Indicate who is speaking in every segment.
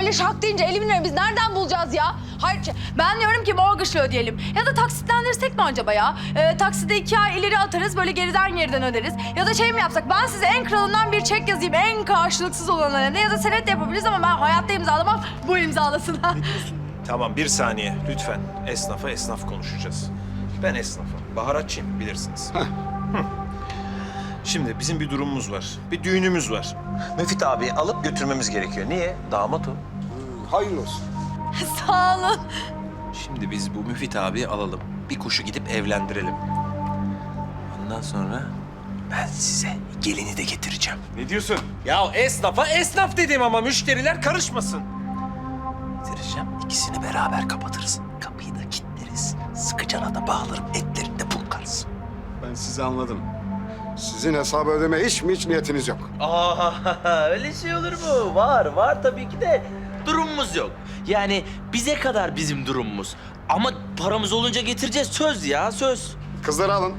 Speaker 1: öyle şak deyince 50 bin lira biz nereden bulacağız ya? Hayır, ben diyorum ki mortgage'la ödeyelim. Ya da taksitlendirsek mi acaba ya? Takside 2 ay ileri atarız, böyle geriden öderiz. Ya da şey mi yapsak, ben size en kralından bir çek yazayım, en karşılıksız olanlarına. Ya da senet de yapabiliriz ama ben hayatta imzalamam, bu imzalasın.
Speaker 2: Tamam, bir saniye lütfen. Esnafa esnaf konuşacağız. Ben esnafım, baharatçıyım bilirsiniz. Hı. Şimdi bizim bir durumumuz var, bir düğünümüz var. Müfit abi alıp götürmemiz gerekiyor. Niye? Damat o.
Speaker 3: Hayırlı olsun.
Speaker 1: Sağ olun.
Speaker 2: Şimdi biz bu Müfit abiyi alalım. Bir kuşu gidip evlendirelim. Ondan sonra ben size gelini de getireceğim.
Speaker 3: Ne diyorsun?
Speaker 2: Ya esnafa esnaf dedim ama müşteriler karışmasın. Getireceğim. İkisini beraber kapatırız. Kapıyı da kilitleriz. Sıkıcana da bağlarım. Etlerini de pulkarız.
Speaker 3: Ben sizi anladım. Sizin hesabı ödemeye hiç niyetiniz yok.
Speaker 4: Aa, öyle şey olur mu? Var tabii ki de durumumuz yok. Yani bize kadar bizim durumumuz. Ama paramız olunca getireceğiz, söz ya, söz.
Speaker 3: Kızları alın.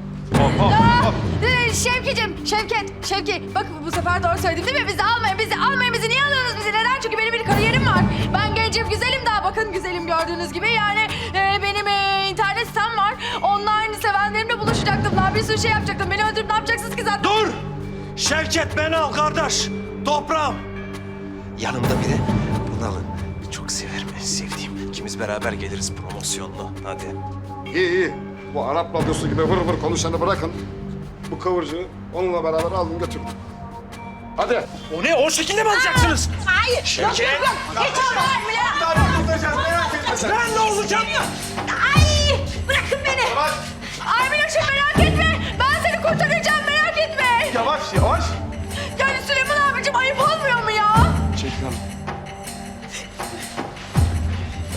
Speaker 1: Şevki. Bak bu sefer doğru söyledim değil mi? Bizi almayın. Bizi niye alıyorsunuz bizi? Neden? Çünkü benim bir kariyerim var. Ben gencim, güzelim daha. Bakın güzelim gördüğünüz gibi. Yani benim internet sitem var. Online sevenlerimle buluşacaktım. Daha bir sürü şey yapacaktım. Beni öldürüp ne yapacaksınız ki zaten?
Speaker 2: Dur! Şevket beni al kardeş. Toprağım. Yanımda bir de bunu alın. Çok severim, en sevdiğim. İkimiz beraber geliriz promosyonlu. Hadi.
Speaker 3: İyi. Bu Arap radyosu gibi vır konuşanı bırakın. Bu kıvırcığı onunla beraber alın götürün. Hadi.
Speaker 2: O ne? O şekilde mi alacaksınız?
Speaker 1: Hayır.
Speaker 2: Şevket!
Speaker 1: Geç
Speaker 2: Ben ne olacağım?
Speaker 1: Ay! Bırakın beni. Ay Miloş'um merak